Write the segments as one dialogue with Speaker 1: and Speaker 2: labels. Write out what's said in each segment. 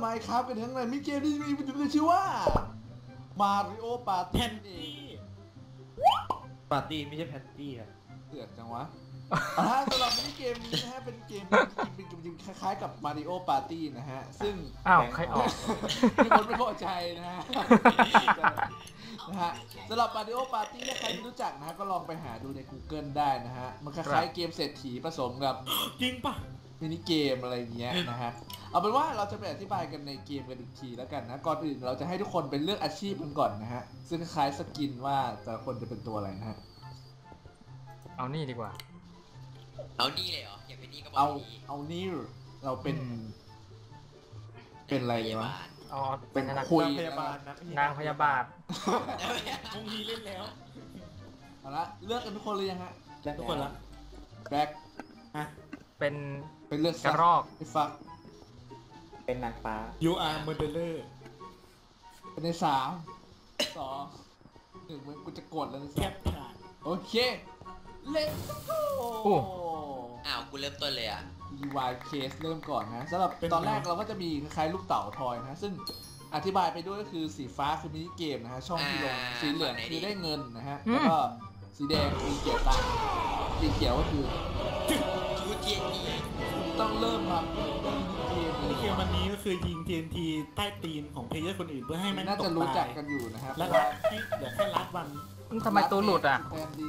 Speaker 1: Minecraft กันทั้งนั้นมีเกมที่มีชื่อว่า Mario Party
Speaker 2: แพนตี้ปาร์ตี้ไม่ใช่แพนตี้อะ
Speaker 1: เดือดจังวะสำหรับมินิเกมนี้นะฮะเป็นเกมคล้ายๆกับ Mario Party นะฮะซึ่ง
Speaker 3: ใครออก
Speaker 1: มีคนไม่พอใจนะฮะสำหรับ Mario Party ถ้าใครไม่รู้จักนะฮะก็ลองไปหาดูใน Google ได้นะฮะมันคล้ายๆเกมเศรษฐีผสมกับ
Speaker 2: จริงปะ
Speaker 1: มินิเกมอะไรเงี้ยนะฮะเอาเป็นว่าเราจะไปอธิบายกันในเกมกันอีกทีแล้วกันนะก่อนอื่นเราจะให้ทุกคนเป็นเลือกอาชีพกันก่อนนะฮะซึ่งคล้ายสกินว่าแต่ละคนจะเป็นตัวอะไรนะฮะ
Speaker 3: เอานี่ดีกว่า
Speaker 4: เอานี่เลยเหรออยากเป็นนี่ก็บอก
Speaker 1: เอานี่เราเป็นอะไรวะ
Speaker 3: เป็นนาง
Speaker 2: พยาบาลนะ
Speaker 3: นางพยาบาล
Speaker 2: วงนี้เล่นแล้ว
Speaker 1: เอาละเลือกกันทุกคนเลยยังฮะ
Speaker 2: ทุกคนละ
Speaker 1: แบ็ค
Speaker 3: เป็น
Speaker 1: เลือก
Speaker 3: กระรอก
Speaker 1: ไอ้ฟัก
Speaker 5: เป็นนางฟ้า
Speaker 2: You are murderer
Speaker 1: เป็นใน3 2 1มึงกูจะกดแล้วนะ
Speaker 2: แคปผ่าน
Speaker 1: โอเคเล่น
Speaker 4: กูเริ่มต้นเลยอ่ะ
Speaker 1: DIY Case เริ่มก่อนนะสำหรับตอนแรกเราก็จะมีคล้ายๆลูกเต๋าทอยนะซึ่งอธิบายไปด้วยก็คือสีฟ้าคือมินิเกมนะฮะช่องที่ลงสีเหลืองคือได้เงินนะฮะแล้วก็สีแดงคือเกี่ยวตังค์สีเขียวก็คือ
Speaker 4: ชูเทียนที
Speaker 1: ต้องเริ่มครับ
Speaker 2: เกมวันนี้ก็คือยิง TNT ใต้ตีนของเพลเยอร์คนอื่นเพื่อให้มัน
Speaker 1: น่าจะรู้จักกันอยู่นะครับ
Speaker 2: แล้วให้เดี๋ยวแค่รัดวัน
Speaker 3: ทำไมตัวหลุดอ่ะ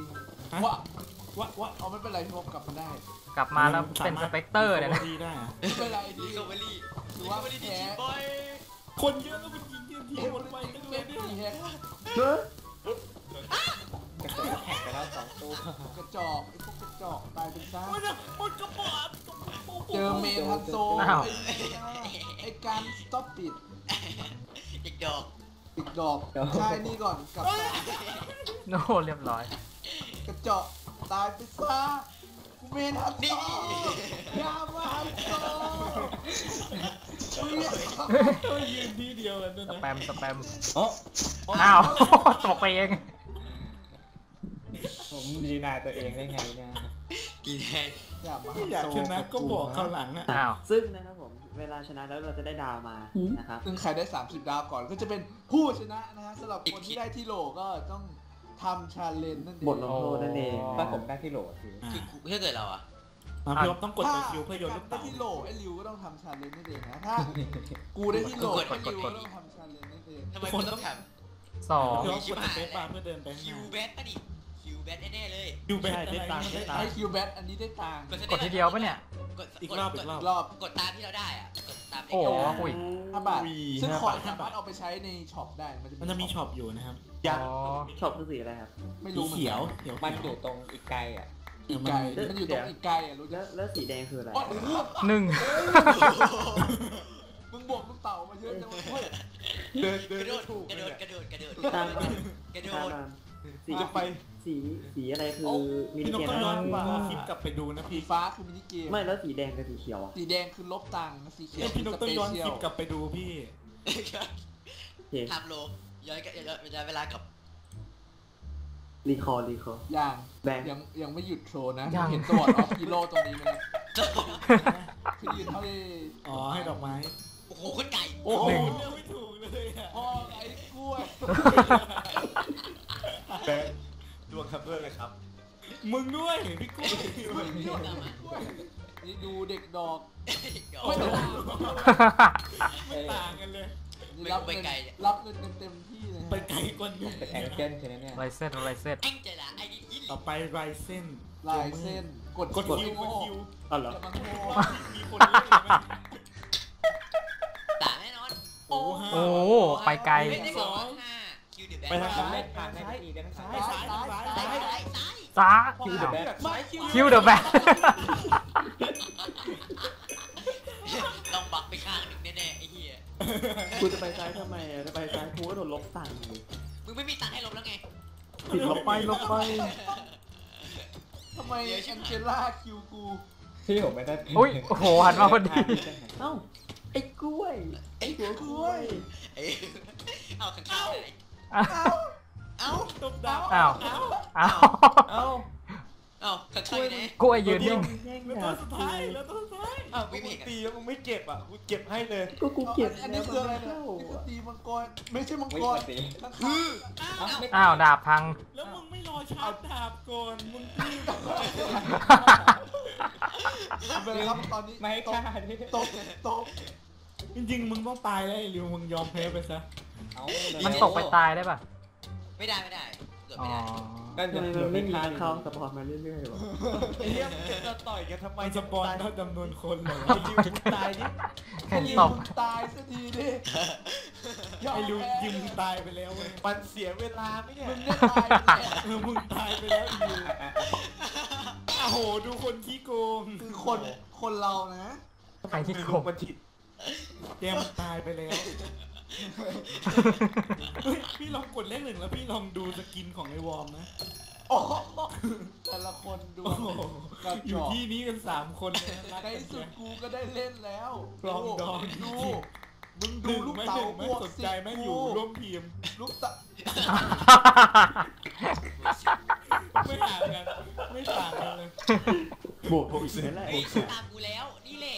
Speaker 1: ว่าเอาไม่เป็นไรพี่พบกลับมาได้
Speaker 3: กลับมาแล้วเป็นสเปกเตอร์เนี่ยนะ
Speaker 1: ไม่เป็นไรดี
Speaker 4: โซเวลี่
Speaker 1: ถือว่าแพ้
Speaker 2: คนเยอะก็เป็นยิง TNT หมดไปกันเลยเนี่ย
Speaker 5: แข่งไปแล้ว2 ตัว
Speaker 1: กระจอกไอ้พวกกระจอกตายเป็นซ่า
Speaker 2: มันกระป๋อง
Speaker 1: เจอเมทันโซไอ้การสต็อปปิด
Speaker 4: อีกด
Speaker 1: อกใช่นี่ก่อนกับ
Speaker 3: โน่เรียบร้อย
Speaker 1: กระจอกตายไปซะกูเมทันโซยามาฮันโซ
Speaker 2: ยืนที่เดียวกัน
Speaker 3: สแปม
Speaker 5: อ้าว
Speaker 3: ตกไปเอง
Speaker 5: ผมดีนายตัวเองได้ไงเนี่ย
Speaker 4: กี่แทน
Speaker 2: อยากชนะก็บอกข้างหลังนะ
Speaker 5: ซึ่งนะครับผมเวลาชนะแล้วเราจะได้ดาวมานะครับ
Speaker 1: ซึ่งใครได้30 ดาวก่อนก็จะเป็นผู้ชนะนะฮะสำหรับคนที่ได้ที่โหลก็ต้องทำชาเลนจ์นั่นเอง
Speaker 5: บทลงโทษนั่นเองถ้าผมได้ที่โหลคือ
Speaker 4: ถ้าเกิดเราอะ
Speaker 2: พี่อ๊อฟต้องกดตัวคิวเพื่อโยนลูกเต๋า
Speaker 1: ที่โหลไอ้ริวก็ต้องทำชาเลนจ์นั่นเองนะถ้ากูได้ที่โหลไอ้ริวก็ต้องทำชาเลนจ์นั่นเอง
Speaker 4: ทำไมคนต้องท
Speaker 3: ำ2
Speaker 2: พี่อ๊อฟกดสเปซบาร์เพื่อเดินไป
Speaker 4: คิวแบทป่ะดิคิวแบทแน่เลย
Speaker 2: คิวแบทได้ตังค์
Speaker 1: ไอ้คิวแบทอันนี้ได้ตังค์
Speaker 3: กดทีเดียวปะเนี่ย
Speaker 2: อีกรอบ
Speaker 4: กดตามที่เราได้อะกดตาม
Speaker 3: โอ้โหคุย
Speaker 1: 5 บาทซึ่งของสามารถเอาไปใช้ในช็อปได้
Speaker 2: มันจะมีช็อปอยู่นะครับ
Speaker 5: ช็อปคือสีอะไรครับ
Speaker 1: ไม่รู้
Speaker 2: เขียว
Speaker 5: มันอยู่ตรงอีกไกลอ่ะ
Speaker 1: อีกไกลมันอยู่ตรงอีกไกลอ่ะรู้จัก
Speaker 5: แล้วสีแดงคืออะไร
Speaker 3: 1
Speaker 1: มึงบวกลูกเต่ามาเยอะจังเลย
Speaker 4: กระโดด
Speaker 5: ตามสีจะไปสีอะไรคือมินิเกม
Speaker 2: ต้องย้อนคลิปกลับไปดูนะ
Speaker 1: พี่ฟ้าคือมินิเกม
Speaker 5: ไม่แล้วสีแดงกับสีเขียวอ่ะ
Speaker 1: สีแดงคือลบตังค์สีเขียว
Speaker 2: พี่ต้องย้อนคลิปกลับไปดูพี่
Speaker 4: ทำโลย้อนเวลากับ
Speaker 5: รีคอร์
Speaker 1: ยังไม่หยุดโชว์นะเห็นสวอตออฟฮีโร่ตรงนี้ไหมที่ยืนเท่าที่
Speaker 2: ให้ดอกไม้
Speaker 4: โอ้โหคนไก่
Speaker 2: โอ้โหไม่ถูกเลย
Speaker 1: พ่อไอ้กล้วย
Speaker 2: ดวงคัพเวอร์เลยครับมึงด้วยพี่กุ้ย
Speaker 1: นี่ดูเด็กดอก
Speaker 2: ไม่ต่างกันเลย
Speaker 1: รับเงินเต็มที่เลย
Speaker 2: ไปไกลกว่านี้
Speaker 5: เป็นแองเจิลใช่ไหมเนี่ย
Speaker 3: ไรเส้น
Speaker 2: ต่อไปไรเส้น
Speaker 1: กดคิว
Speaker 5: อ๋อเหรอ
Speaker 2: มีคนเล่นไหม
Speaker 4: ต่างแน่นอน
Speaker 3: โอ้ไปไกล
Speaker 4: ไปทางซ้าย
Speaker 3: คิวเดอะแบ็ค
Speaker 4: ลองบักไปข้างหนึ่งแน่ๆไอ้เหี้ย
Speaker 5: กูจะไปซ้ายทำไมจะไปซ้ายกูก็โดนลบตังค์
Speaker 4: มึงไม่มีตังค์ให้ลบแล้วไง
Speaker 5: ผิดลบไป
Speaker 1: ทำไมแองเจล่าคิวกู
Speaker 5: ที่ผมไม่ได้
Speaker 3: อุ้ยโอ้โหหันมาพอดี
Speaker 5: เอ้าไอ้กล้วย
Speaker 1: กล้วย
Speaker 4: เอาข้างๆ
Speaker 2: เอาตบดาว
Speaker 3: เอา
Speaker 4: เอ้าขัดช่วยไหน
Speaker 3: กล้วยยืนนิ่ง
Speaker 5: แย่ง
Speaker 2: แล้ว
Speaker 5: ดา
Speaker 2: ตัว
Speaker 5: บ
Speaker 2: สุดท้ายแล้วตัวสุดท้าย
Speaker 6: อ้าวมึงตีแล้วมึงไม่เก็บอ่ะกูเก็บให้เลย
Speaker 5: ก็กูเก็บ
Speaker 1: อันนี้คืออะไรเนี่ยนี่คือตีมังกรไม่ใช่มังกรข้าง
Speaker 4: อ้าว
Speaker 3: อ้าวดาบพัง
Speaker 2: แล้วมึงไม่รอชาร์จดาบก่อนมึงตี
Speaker 1: ๆเป็นไรครับตอนนี้
Speaker 6: ไม่ฆ่าดิ
Speaker 1: ตก
Speaker 2: จริงๆมึงต้องตายแล้วไอ้ริวมึงยอมแพ้ไปซะ
Speaker 6: เอา
Speaker 3: มันตกไปตายได้ป่ะ
Speaker 4: ไม่ได้เกิด
Speaker 3: อ๋
Speaker 4: ไม่
Speaker 3: อ
Speaker 4: ได้
Speaker 6: นั่น
Speaker 5: ทำไมมันไม่มีเข้าสปอร์ตมาเรื่อยๆวะ
Speaker 6: ไอ้เหี้ยมึงจะต่อยกันทำไม
Speaker 2: มันสปอนเท่าจำนวนคนเหรอ
Speaker 6: ไอ้ริวมึงตายดิ
Speaker 3: เห็น
Speaker 1: ยิง
Speaker 3: ตบ
Speaker 1: มึงตายสักทีดิ
Speaker 2: ไอ้ริวยิงมึงตายไปแล้วเว้ย
Speaker 6: มันเสียเวลาไหมเนี่ย
Speaker 1: มึงเนี่ยตายไปแล้ว
Speaker 2: มึงตายไปแล้วไอ้ริวโอ้โหดูคนขี้โกง
Speaker 1: คือคนเรานะ
Speaker 3: ใครที่โกง
Speaker 6: มันผิด
Speaker 2: แกมันตายไปแล้วเฮ้ยพี่ลองกดเลข 1แล้วพี่ลองดูสกินของไอ้วอร์มนะ
Speaker 1: โอ้โหแต่ละคนดู
Speaker 2: โอ้โห
Speaker 1: กระ
Speaker 2: อ
Speaker 1: จ
Speaker 2: ยู่
Speaker 1: อก
Speaker 2: ที่นี้กัน3คนเลยนะรัก
Speaker 1: ใน
Speaker 2: กัน
Speaker 1: สุด
Speaker 2: เนี่ย
Speaker 1: กูก็ได้เล่นแล้ว
Speaker 2: ปลองดอง
Speaker 1: ดูมึง
Speaker 2: ห
Speaker 1: ดู
Speaker 2: นึ่ง
Speaker 1: ลูก
Speaker 2: ไม่
Speaker 1: เต๋า
Speaker 2: หนึ่งไม่
Speaker 1: บวก
Speaker 2: สน
Speaker 1: สิ
Speaker 2: ใจไม่อยู่ร่วมทีม
Speaker 1: ลูกเต๋า
Speaker 2: ไม่ห่างกันไม่ต่างกันเลย
Speaker 5: บวกอีกนั่นแหละ
Speaker 4: เฮ้ยตามกูแล้วนี่แหละ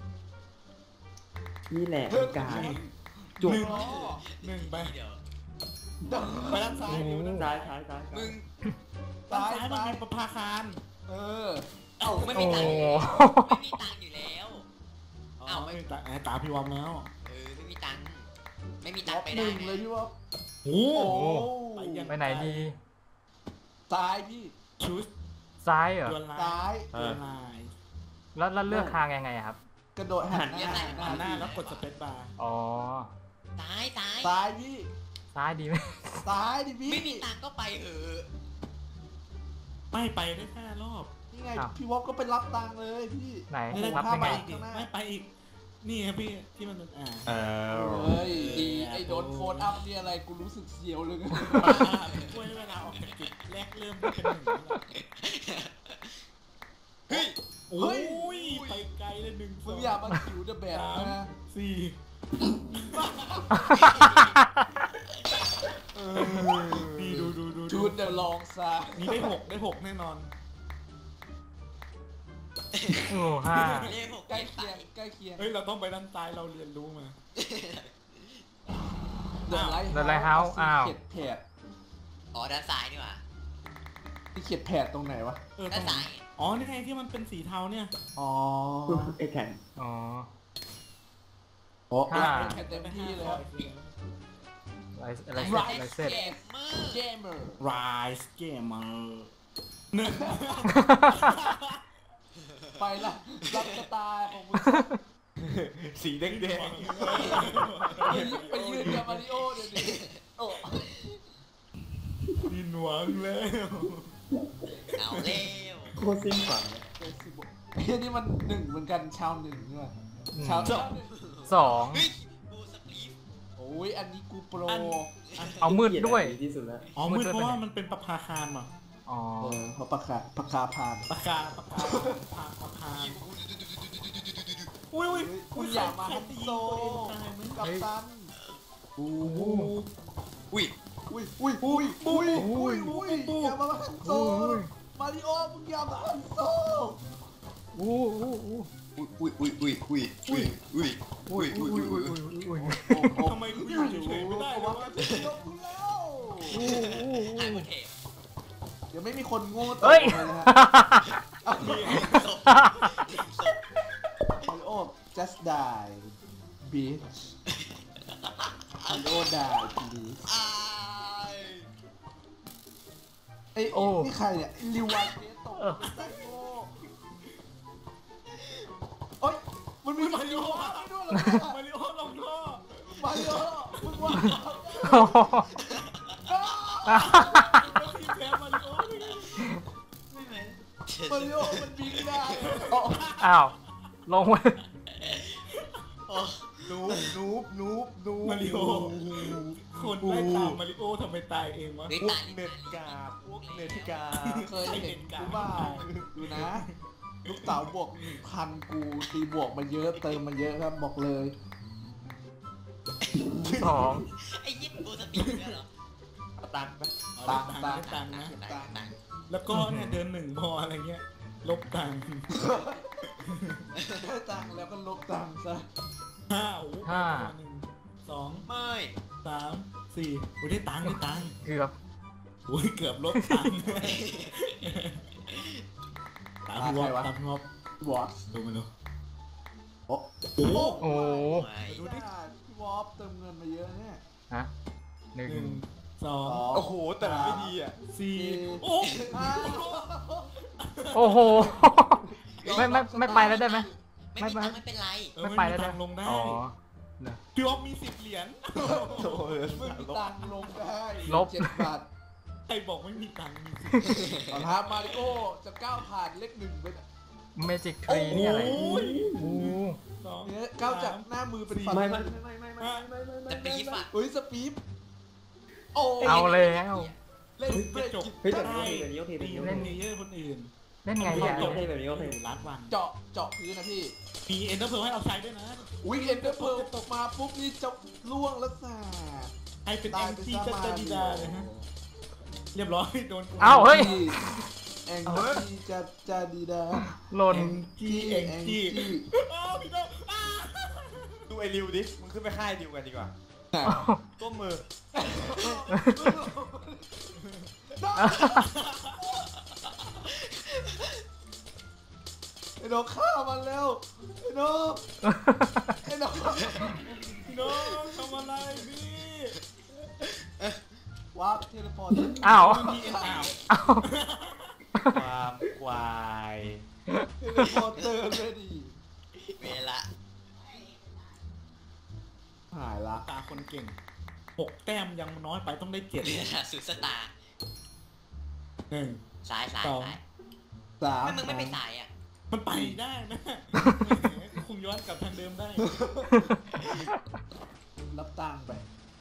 Speaker 5: นี่แหละการจุก
Speaker 2: หนึ่งไป
Speaker 4: เดี๋ยว
Speaker 2: ไปด้านซ้ายดูด้าน
Speaker 5: ซ้า
Speaker 2: ซ้าย ย
Speaker 5: ซ้ายซ้าย
Speaker 4: มึง
Speaker 2: ด้านซ้ายมันมีประภาคาร
Speaker 1: เออ
Speaker 4: เอ้าไม่
Speaker 3: โอ้
Speaker 4: มี
Speaker 3: โห
Speaker 4: ตังค์ไม่มีตังค์อยู่แล้ว
Speaker 2: อ๋อ
Speaker 4: เอ้า
Speaker 2: ไม่ตาตาพี่วอมแล้ว
Speaker 4: ไม่มีตังค์ไม่มีตั
Speaker 1: ล็
Speaker 4: ง
Speaker 1: อ
Speaker 4: ค์
Speaker 1: ก
Speaker 4: ไป
Speaker 1: ห
Speaker 4: ได้
Speaker 1: นึ่งเลยพี่ว่า
Speaker 2: โอ้
Speaker 1: โอ้
Speaker 2: โห
Speaker 3: ไปไหนดี
Speaker 1: ตายพี่
Speaker 2: ชุด
Speaker 3: ซ้ายเหรอ
Speaker 2: ดวลลา
Speaker 1: ตาย
Speaker 2: ดวลลาย
Speaker 3: แล้วเลือกทางยังไงอะครับ
Speaker 1: กระโดดหันหน้า
Speaker 2: หันหน้าแล้วกดสเปซบาร์
Speaker 3: อ๋อ
Speaker 4: ตาย
Speaker 1: ตายพี่
Speaker 3: ซ้ายดีไหม
Speaker 1: ตายดิพี่
Speaker 4: ไม่มีตังค์ก็ไปเถอะ
Speaker 2: ไม่ไปได้5 รอบ
Speaker 1: นี่ไงพี่วอฟก็ไปรับตังค์เลยพี่
Speaker 3: ไหน
Speaker 2: ไม่ได้
Speaker 3: รับ
Speaker 2: ข้า
Speaker 3: ยัง
Speaker 2: ไป
Speaker 3: ไง
Speaker 2: อีกดิไม่ไปอีก นี่ครับพี่ที่มันเป็น
Speaker 6: อ้าว
Speaker 1: เฮ้ยดีไอ้โดนโฟนอัพนี่อะไรกูรู้สึกเสียวเลย
Speaker 2: บ้าช่วยเวลาออกจากจุดแรกเริ่มที่เป็น1แล้ว
Speaker 4: เฮ้ย
Speaker 2: โอ้ยไปไกลเลย1
Speaker 1: มึงอย่ามาขิวเดอะแบบนะ
Speaker 2: 4 นี่ดู
Speaker 1: ชุดเดอะลองซา
Speaker 2: นี่ได้6แน่นอน
Speaker 3: โอ้ห้า
Speaker 4: เลขหก
Speaker 1: ใกล้
Speaker 4: ไป
Speaker 1: เคียงใกล้เคียง
Speaker 2: เฮ้ยเราต้องไปด้านซ้ายเราเรียนรู้มา
Speaker 1: เดอะไลท์
Speaker 3: The Lighthouse อ้าว
Speaker 1: เขียดแผด
Speaker 4: อ๋อด้านซ้ายนี่หว่า
Speaker 1: ที่เขียดแผดตรงไหนวะ
Speaker 2: ตร
Speaker 4: ด้าน
Speaker 2: ง
Speaker 4: ซ้าย
Speaker 2: อ๋อนี่ไงที่มันเป็นสีเทาเนี่ย
Speaker 1: อ๋อ
Speaker 5: ไอ้แข็ง
Speaker 3: อ๋อ
Speaker 1: โอ้
Speaker 3: ห้า
Speaker 1: แค่เต็มที่เลยครับ
Speaker 3: ไรเสร็จ
Speaker 4: เกมเมอร์
Speaker 1: เกมเมอร์
Speaker 2: Rise Gamer หนึ่ง
Speaker 1: ไปละรับสไตล์ของมึง
Speaker 6: สีแดง
Speaker 1: ไปยืนกับมาริโอเดี๋ยวนี้โอ้
Speaker 2: ดินหวังแล้ว
Speaker 4: เอาเร็ว
Speaker 5: โคตรสิ้นหวังเลย
Speaker 1: เฮ้ยนี่มันหนึ่งเหมือนกันชาวหนึ่งใช่ไหมชาวหนึ่ง
Speaker 3: สอง
Speaker 4: เฮ้ยบูสปลีฟ
Speaker 1: โอ้ยอันนี้กูโปร
Speaker 3: เอามืดด้วย
Speaker 5: ดีที่สุดแล้ว
Speaker 2: อ๋อมืดเพราะว่ามันเป็นประภาคารมา
Speaker 3: อ๋อ
Speaker 1: เพราะปากกาพาน
Speaker 2: ประคารอุ้ย
Speaker 1: คุณอย่ามาฮันโซกับตัน
Speaker 2: โอ้โห
Speaker 4: อุ้ย
Speaker 1: อย่ามาฮันโซมาริโอมึงอย่ามาฮันโซ
Speaker 3: อู้
Speaker 2: ทำไมกูอยู่เฉยๆไม่ได้เลยวะ
Speaker 1: ยกแล้ว
Speaker 4: หายหมดเทป
Speaker 1: เดี๋ยวไม่มีคนโง่ต่อ
Speaker 3: เฮ้ย
Speaker 1: เลยนะฮะมาริโอ just die bitch มาริโอ die please
Speaker 4: อาย
Speaker 1: เอ้ยนี่ใครเนี่ยลิวานเบสตกไซโก้โอ๊ยมันมีมาริโอด้วยเหรอ
Speaker 2: มาริโอลงท่อ
Speaker 1: มาริโอมึงว่า
Speaker 2: ทีมแพ้มาริโอเลย
Speaker 1: มาริโอมันบิงได้
Speaker 3: อ้าว ลงไป
Speaker 6: นูบ
Speaker 2: มาริโอคนไล่ตามมาริโอทำไมตายเองวะ
Speaker 4: เฮ้ย
Speaker 6: พว
Speaker 4: ตาก ย
Speaker 6: เน็ตกาพวกเน็ตกา
Speaker 1: เคยเห็นกูบ้าดูนะ ลูกเต๋าบวก 1,000 กูตีบวกมาเยอะเติมมาเยอะครับบอกเลย
Speaker 3: สอง
Speaker 4: ไอ้ยิปบูสปลีฟเนี่ยเหรอ
Speaker 6: ตังค์ไหม
Speaker 2: ตังค์ตังค์ตังค์นะ
Speaker 4: ตัง
Speaker 2: แล้วก็เนี่ยเดินหนึ่งพออะไรเงี้ยลบตังค์
Speaker 1: ได้ตังค์แล้วก็ลบตังค์ซะ
Speaker 2: โอ้โห
Speaker 3: ห้า
Speaker 2: 1 2
Speaker 4: ไม่
Speaker 2: 3 4โอ้ยได้ตังค์ได้ตังค์
Speaker 3: เกือบ
Speaker 2: โอ้ยเกือบลบตังค์ตามพี่วอปตามพี่วอป
Speaker 1: วอช
Speaker 2: ดูมันดู
Speaker 1: โอ้
Speaker 2: โอ้โห
Speaker 3: โอ้
Speaker 4: ไม่
Speaker 1: ดูดิพี่วอฟเติมเงินมาเยอะเนี่ย
Speaker 3: ฮะหนึ่ง
Speaker 2: 1 2
Speaker 6: โอ้โหแต่มันไม่ดีอ่ะ
Speaker 2: 4โอ้
Speaker 3: โอ้โห ไม่ไปแล้วได้ไหม
Speaker 4: ไม่มีตังค์ไม่เป็นไร
Speaker 3: ไม่ไปแล้ว
Speaker 2: ตั
Speaker 3: ได้
Speaker 2: งค์ลงได้
Speaker 3: อ๋อ
Speaker 2: พี่วอปมี10 เหรียญ
Speaker 6: โอ้โห
Speaker 1: ไม่มีตังค์ลงได้
Speaker 3: ลบ
Speaker 1: 7 บาท
Speaker 2: ใครบอกไม่มีตังค์มี
Speaker 1: ตอนท้ามาริโอจะก้าวผ่านเลขหนึ่งไปเนี่ย
Speaker 3: เมจิกทรีนี่อะไร
Speaker 2: โอ้ย
Speaker 3: โอ้
Speaker 2: 2
Speaker 1: เนี่ยก้าวจากหน้ามือเป็นฝัน
Speaker 5: ไม่
Speaker 4: แต่ปีฝาก
Speaker 1: เฮ้ยสปีดโอ้
Speaker 3: เอาแล้ว
Speaker 1: เล่น
Speaker 2: เฮ้ย
Speaker 1: เบรก
Speaker 2: จบ
Speaker 5: เฮ้ยแต่แบบนี้โอเคแบบ
Speaker 2: ตี
Speaker 5: นี้โอ
Speaker 2: เล่น
Speaker 5: เค
Speaker 2: เยอะคนอื่น
Speaker 3: เล่นไง
Speaker 5: โอ
Speaker 3: เนี่ย
Speaker 5: เคแบบนี้โอเค
Speaker 2: ลัดวัน
Speaker 1: เจาะพื้นนะพี่
Speaker 2: มีเอ็นเตอร์เพลให้เราใช้ด้วยนะ
Speaker 1: อุ้ยเอ็นเดอร์เพลตกมาปุ๊บนี่จะล่วงแล้วซ่า
Speaker 2: ให้เป็น MC จัตดีดาเลยฮะเรียบร้อยโดนกู
Speaker 3: เอาเฮ้ย
Speaker 1: แองจี้จะดีดา
Speaker 3: หล่น
Speaker 2: จีเอ็งจีโอ้พี่น้อง
Speaker 6: ดูไอ้ริวดิมึงขึ้นไปค่ายริวกันดีกว่าก้มมือ
Speaker 1: ไอ้น้องฆ่ามันแล้วไอ้น้องไอ้น้อง
Speaker 2: พี่น้องทำอะไรพี่
Speaker 1: วาร์ปเทเลพอร์ต
Speaker 3: อ้าว
Speaker 2: มีเอ็นอ้าว
Speaker 3: อ้าว
Speaker 6: ความควาย
Speaker 1: เทเลพอร์เตอร์เลยดิ
Speaker 4: เวลา
Speaker 1: หายละ
Speaker 2: ตาคนเก่ง6 แต้มยังน้อยไปต้องได้7
Speaker 4: เวลาสุดสตาร์
Speaker 2: 1
Speaker 4: ซ้าย
Speaker 2: สอง
Speaker 1: 3
Speaker 4: ไม่มึงไม่ไปสายอ่ะ
Speaker 2: มันไปได้นะคงย้อนกลับทางเดิมได้
Speaker 1: รับตังค์ไป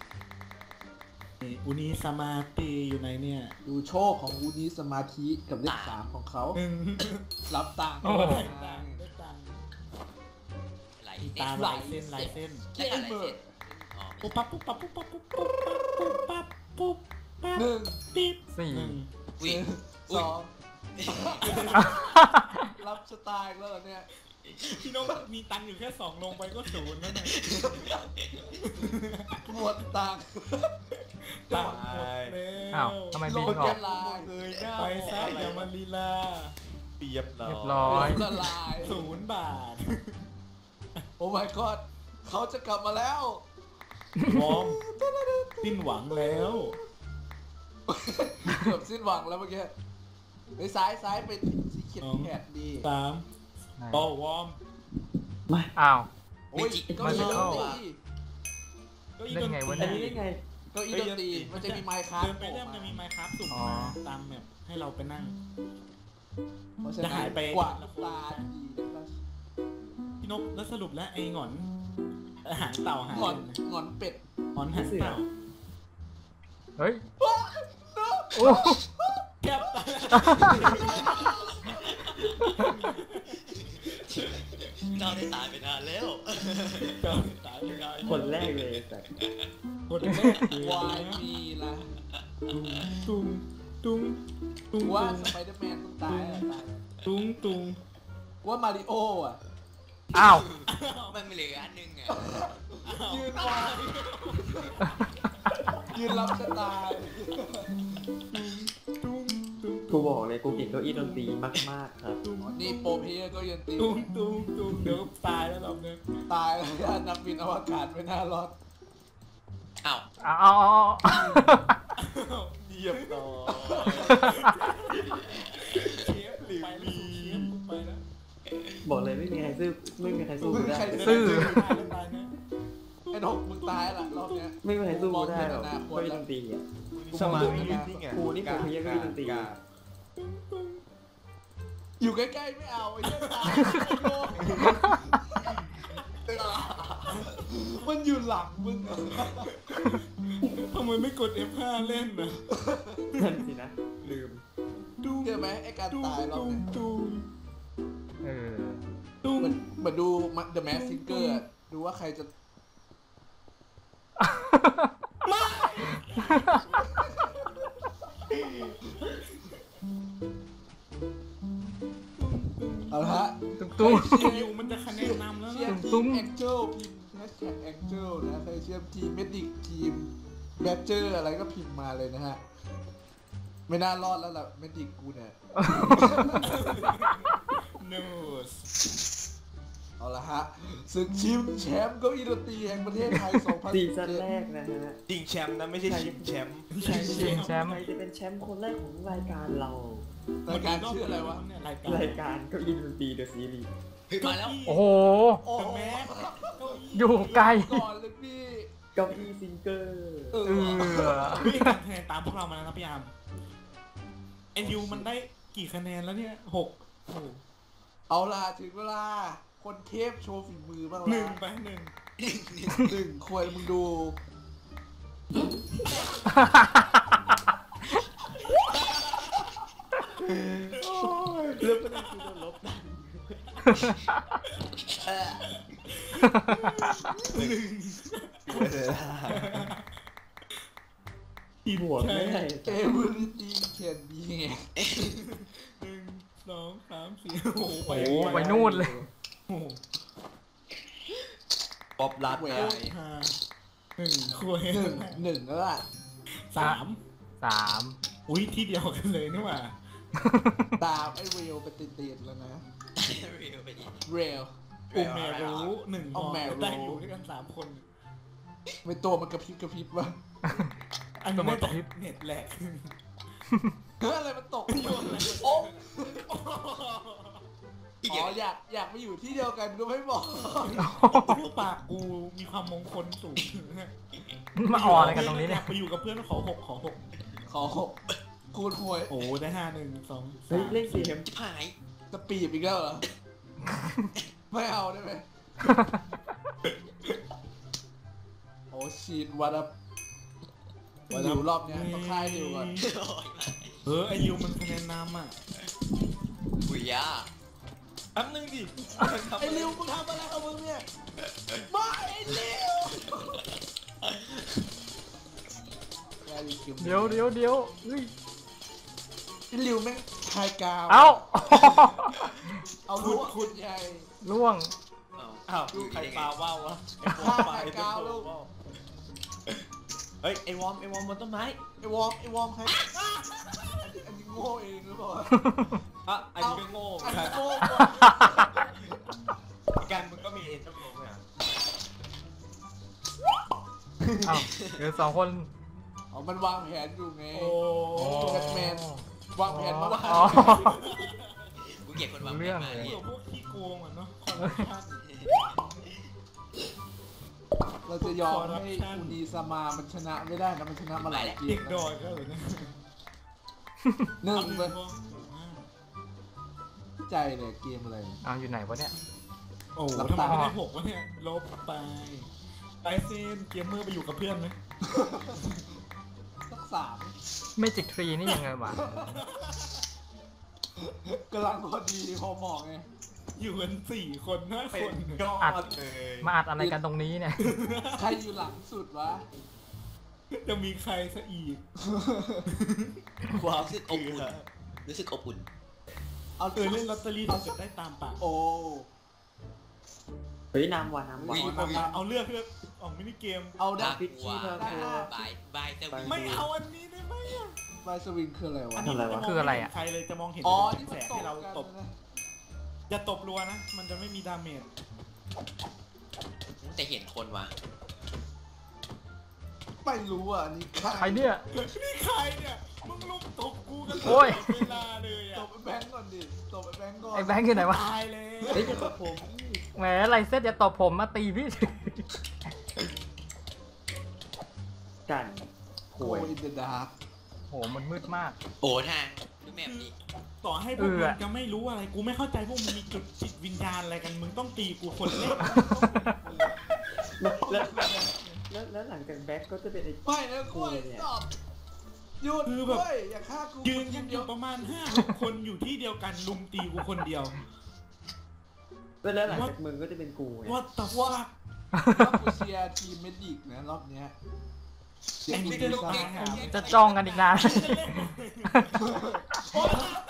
Speaker 2: อุนิสมาติอยู่ไหนเนี่ย
Speaker 1: ดูโชคของวูนี้สมาธิกับเลข3ของเขา รับตังค์
Speaker 3: โอ้
Speaker 2: ได้ตังค์ได้ตังค์
Speaker 4: ไหล
Speaker 2: มี
Speaker 4: เส้
Speaker 2: ตาน ลายเส้นลายเส้น
Speaker 4: ได้อะไรเส้นอ๋อ
Speaker 2: ปุ๊บปั๊บปุ๊บปั๊บปุ๊บปั๊บปุ๊บปั๊บปุ๊บปั๊บปุ๊บปั๊บ
Speaker 1: หนึ่ง
Speaker 2: ปิ๊บ
Speaker 3: สี่
Speaker 4: วิ่ง
Speaker 1: สองรับสไตล์แล้วเหรอเนี่ย
Speaker 2: พี่น้องมีตังค์อยู่แค่2ลงไปก็0แล้วเนี่ย
Speaker 1: หมดตังค์
Speaker 2: ตังค์หมดแล้
Speaker 3: อ้าว
Speaker 2: ว
Speaker 3: ทำไม
Speaker 1: ล
Speaker 3: บิน
Speaker 1: ง
Speaker 3: ออ
Speaker 1: จะ
Speaker 3: ก
Speaker 1: ลาย
Speaker 6: เลยหน้า
Speaker 2: ไปซะอย่ามาลีลา
Speaker 6: เปียบเรา
Speaker 3: เรียบร้อย
Speaker 1: ละลาย
Speaker 2: 0 บาท
Speaker 1: โอ้ my god เขาจะกลับมาแล้ว
Speaker 2: วอร์มสิ้นหวังแล้ว
Speaker 1: เกือบสิ้นหวังแล้วเมื่อกี้ไปซ้ายเป็นสีเขียดแขดดี
Speaker 2: 3โอ้วอร์ม
Speaker 3: อ้าว
Speaker 1: โอ้ยก็อีดนตรี
Speaker 2: ก็อี
Speaker 3: เล่นไงวะ
Speaker 5: อัน
Speaker 3: เนี่ย
Speaker 5: นี้ได้ไง
Speaker 1: ก็อีดนตรีมันจะมีไมค์คราฟ
Speaker 2: เดินไปเรื่อยมันจะมีไมค์ครับสุ่ม
Speaker 3: อ๋อ
Speaker 2: มาตามแมปให้เราไปนั่ง
Speaker 1: เพราะฉะ
Speaker 2: จะ
Speaker 1: นั้น
Speaker 2: หายไป
Speaker 1: กว่าลูกตาดีนะครับ
Speaker 2: พี่นกแล้วสรุปแล้วไอ้หงอนหางเต่าหาง
Speaker 1: งอนงอนเป็ด
Speaker 2: หงอนหางเต่า
Speaker 3: เฮ้ย โอ้
Speaker 2: แก็บตา
Speaker 4: เจ้าได้ตายไปนานแล้ว
Speaker 2: ตายไม่ได้
Speaker 5: คนแรกเลยแต่
Speaker 2: คนแรกเลยว
Speaker 1: ายมีละ
Speaker 2: ตุ้งตุ้งตุ้ง
Speaker 1: ว่าสไปเดอร์แมนต้องตายอะตาย
Speaker 2: ตุ้งตุ้ง
Speaker 1: ว่ามาริโออ่ะ
Speaker 3: อ้าว
Speaker 4: มันไม่เหลืออันนึงอ่ะ
Speaker 1: ยืนวายยืนรับชะตา
Speaker 2: ตุ้งตุ้ง
Speaker 5: กูบอกเลยกูเก่งเก้าอี้ดนตรีมากๆครับ
Speaker 1: นี่โปรเพลย์ก็ยืนตี
Speaker 2: ตุ้งตุ้งตุ้งเดี๋ยวตายแล้วเราเนี่ย
Speaker 1: ตายแล้วย่านนักบินอวกาศไม่น่ารอด
Speaker 4: อ้าว
Speaker 3: เอา
Speaker 6: เยียบร้อย
Speaker 2: เชฟไปแล้วเชฟไปแล้ว
Speaker 5: บอกเลยไม่มีใครสู้ไม่มีใครสู้กูได้
Speaker 3: ซื่อ
Speaker 2: ตายแล้วตายนะ
Speaker 1: ไอ้นกมึงตายละรอบเนี้ย
Speaker 5: ไม่มีใครสู้กูได้หรอกเก้าอี้ดนตรีอ่ะ
Speaker 6: สมาธินี่ไง
Speaker 5: กูนี่ผมเพี้ยนก็ไม่ดนตรี
Speaker 1: อยู่ใกล้ๆไม่เอาไอ้เหี้ยตายมันอยู่หลังมึงอะ
Speaker 2: ทำไมไม่กด F5 เล่นนะ
Speaker 5: นั่นสินะลืม
Speaker 2: ตุ้ง
Speaker 1: เจอไหมไอ้การ
Speaker 2: ตุ้ง
Speaker 1: ตายรอบ
Speaker 2: ตุ้ง
Speaker 1: เนี้ย
Speaker 2: ตุ้ง
Speaker 3: เออ
Speaker 2: ตุ้ง
Speaker 1: เหมือนดู The Mask Singer อะดูว่าใครจะ
Speaker 3: ตุ้ง
Speaker 2: อยู่มันจะคะแนนนำแล้ว
Speaker 1: เชีย
Speaker 2: นะ
Speaker 1: ร์ทีมแองเจิลพิมพ์แฮชแท็กแองเจิลนะใครเชียร์ทีมเมดิกทีมแบดเจอร์อะไรก็พิมพ์มาเลยนะฮะไม่น่ารอดแล้วล่ะเมดิกกูเนี่ย
Speaker 2: นูส
Speaker 1: เอาละฮะศึกชิงแชมป์เก้าอี้ดนตรีแห่งประเทศไทย
Speaker 5: ซีซั่นแรกนะฮะ
Speaker 6: จริงแชมป์นะไม่ใช่ชิงแชมป์
Speaker 2: ใช่
Speaker 3: ชิงแชมป์
Speaker 5: ใครจะเป็นแชมป์คนแรกของรายการเรา
Speaker 1: รายการชื่ออะไรวะ
Speaker 2: รายการ
Speaker 5: รายการเก้าอี้ดนตรีเดอะซีรีส์
Speaker 4: เฮ้ยมาแล้ว
Speaker 3: โอ้โห
Speaker 1: โอ้โห
Speaker 2: แม่
Speaker 3: อยู่ไกล
Speaker 1: ก่อนเลยพี่
Speaker 5: เก้าอี้ซิงเกอร์
Speaker 1: เอ
Speaker 3: เอ
Speaker 1: อ
Speaker 3: อ
Speaker 2: พี่คะแนนตามพวกเรามาแล้วนะพี่อาร์มเอ็นยูมันได้กี่คะแนนแล้วเนี่ย6
Speaker 1: เอาล่ะถึงเวลาคนเทพโชว์ฝีมือบ้าง
Speaker 2: หนึ่
Speaker 1: ละ
Speaker 2: งไปหนึ่ง
Speaker 1: หนึ่งควรมึงดู
Speaker 5: เรื่องประเด็นคือโดนลบดัน
Speaker 2: ที
Speaker 5: บวกไม่ได้
Speaker 1: เอเวอร์ตี้แคนบีไง
Speaker 2: 1 2 3 4โอ้โห
Speaker 3: โอ้โหไปนู่นเลย
Speaker 2: โอ้โห
Speaker 6: ป๊อปลัดไง
Speaker 2: 1คุย
Speaker 1: หนึ่งแล้วล่ะ
Speaker 2: 3
Speaker 3: 3
Speaker 2: อุ้ยที่เดียวกันเลยนี่หว่า
Speaker 1: ตามไอ้เรลไปติดๆแล้วนะ
Speaker 4: เรียวไปดิ
Speaker 1: เรล
Speaker 2: อุมแมรู้1
Speaker 1: เอาแมรู้
Speaker 2: ได้อยู่ด้วยกัน3 คน
Speaker 1: ไม่ตัวมันกระพริบกระพริบวะ
Speaker 2: อันนี้น่าจะเน็ตแหลก
Speaker 1: เฮ้ยอะไรมันตกอยู่โอ้อ๋ออยากไปอยู่ที่เดียวกันก็ไม่บอก
Speaker 2: รูปปากกูมีความมงคลสูง
Speaker 3: มาอ่อนอะไรกันตรงนี้เนี่ย
Speaker 2: ไปอยู่กับเพื่อนขอ6
Speaker 1: ขอคูณหวย
Speaker 2: โอ้ได้5 1 2
Speaker 5: เฮ้ย
Speaker 2: 3
Speaker 5: เล่นซีเอ็ม
Speaker 4: จิบหาย
Speaker 1: จะปีบอีกแล้วเหรอ ไม่เอาได้ไหมโอ้ชีดวัดอะอยู่รอบเนี้ยต้องค่ายดิวก่อน
Speaker 4: โอ้ยมา
Speaker 2: ไอยูมันคะแนนนำอ่ะ
Speaker 4: หุยย่า
Speaker 6: แป๊บนึงดิ
Speaker 1: ไอ้ริวมึงทำอะไรกับมึงเนี่ยไม่ไอ้ริว
Speaker 3: เดี๋ยวเฮ้ย
Speaker 1: ไอ้ริวแม่งคายกาว
Speaker 3: เอ้า
Speaker 1: เอาลูกขุดใหญ่
Speaker 3: ล่วง
Speaker 6: อ้าวใครปลาว่าววะ
Speaker 1: ฆ่าคายกาวลูก
Speaker 6: เฮ้ยไอวอมบนต้นไม้
Speaker 1: ไอ้วอร์มใครอันนี้โง่เองหรือเปล่า
Speaker 6: อ่ะอันนี้ก็โง่เหมื
Speaker 1: อั
Speaker 6: อน นกัน
Speaker 1: นี้โง่
Speaker 6: กันมึงก็มีเอ็นจมูกเนี่ย
Speaker 3: เอ้าเหลือ2 คน
Speaker 1: อ๋อมันวางแผนอยู่ไง
Speaker 2: โอ้
Speaker 1: แบทแมนวางแผนมาว่า
Speaker 3: อ๋อ
Speaker 4: กูเก็บคนวาง
Speaker 3: เรื่อง
Speaker 4: มา
Speaker 3: เลย
Speaker 4: เนี่ย
Speaker 2: พวกขี้โกงอ่ะเนาะคอร์รัปชัน
Speaker 1: เราจะยอมให้อูนีซามามันชนะไม่ได้นะมันชนะมาหลายเก
Speaker 2: เด็
Speaker 1: ม
Speaker 2: ก
Speaker 1: นะ
Speaker 2: ดอยก็เลยนะ
Speaker 1: หนึ่งเลย
Speaker 2: อา
Speaker 1: ใจเลยเกมอะไร
Speaker 3: เอาอยู่ไหนวะเนี่ย
Speaker 2: โอ้โหทำไมไม่ได้6วะเนี่ยลบไปเส้นเกมเมอร์ไปอยู่กับเพื่อนไหม
Speaker 1: สัก 3
Speaker 3: เมจิกทรีนี่ยังไงวะ
Speaker 1: กำลังพอดีพอเหมาะไง
Speaker 2: อยู่กัน4 คน5
Speaker 6: เป็
Speaker 2: คน น
Speaker 6: ยอดเลย
Speaker 3: มาอัดอะไรกันตรงนี้เนี่ย
Speaker 1: ใครอยู่หลังสุดวะ
Speaker 2: จะมีใครซะอีก
Speaker 6: ความ
Speaker 4: รู้สึกอบอุ่นรู้สึกอบอุ่น
Speaker 1: เอา
Speaker 2: เล่นลอตเตอรี่ถ้าเกิดได้ตามปาก
Speaker 1: โอ้
Speaker 5: เฮ้ยน้ำว่ะน้ำว่ะ
Speaker 2: เอาเลือกออกมินิเกม
Speaker 1: เอาได้
Speaker 5: พิชชี่ทางตัว
Speaker 4: บายสวิง
Speaker 2: ไม่เอาอันนี้ได้ไหมอ่ะ
Speaker 1: ไฟสวิงคืออะไรวะ
Speaker 2: อันนี้มันจะมอง
Speaker 3: คืออะไร
Speaker 2: ไม่
Speaker 3: อะ
Speaker 2: เห็นใครเลยจะมองเห็น
Speaker 1: อ๋อ
Speaker 2: เป็น
Speaker 1: นี่
Speaker 2: แส
Speaker 1: มันตก
Speaker 2: งที่เรา
Speaker 1: กัน
Speaker 2: ตบ
Speaker 1: นะ
Speaker 2: อย่าตบรัวนะ มันจะไม่มีดาเมจ
Speaker 4: แต่เห็นคนว่ะ
Speaker 1: ไม่รู้อ่ะอันนี่
Speaker 3: ใครเนี่ย
Speaker 2: นี่ใครเนี่ย มึงลุมตบกูกัน
Speaker 3: โอ้ย
Speaker 2: เวลาเลย
Speaker 1: ต
Speaker 2: อ่ะ
Speaker 1: บไอ้แบงก์ก่อนดิตบไอ้แบงก์ก่อน
Speaker 3: ไอ้แบงค์อยู่ไหนวะ
Speaker 2: ตายเลย
Speaker 5: เฮ้ยจะตบผม
Speaker 3: แหมไรเซตอย่าตบผมมาตีพี่
Speaker 5: กัน
Speaker 1: โอ้ยอินเดอะดาร์ก
Speaker 3: โหมันมืดมาก
Speaker 4: โอ้ทางดูแบบนี้
Speaker 2: ต่อให้พวกมึงจะไม่รู้อะไร กูไม่เข้าใจพวกมึงมีจุดจิตวิญญาณอะไรกัน มึงต้องตีกูคนแรก
Speaker 5: แล้วหลังจากแบ็คก็จะเป็นไอ้
Speaker 1: ไม่นะกล้วยตอบหยุด
Speaker 2: คือ
Speaker 1: ด้
Speaker 2: แบบ
Speaker 1: วยอย่าฆ่ากู
Speaker 2: ยืนกันอยู่ประมาณ5-6 คนอยู่ที่เดียวกันลุมตีกูคนเดียว
Speaker 5: แล้วหลังจากมึงก็จะเป็นกูไง
Speaker 2: What the fuck
Speaker 1: ว่ากูเชียร์ทีมเมดิกนะรอบเนี้ยเชียร์ทีม
Speaker 2: ไอ้นี่ก็
Speaker 1: ดี
Speaker 2: ต้อง
Speaker 1: ซ่า
Speaker 2: ตายหา
Speaker 3: จะจ้องกันอีกนาน
Speaker 1: โอ๊ย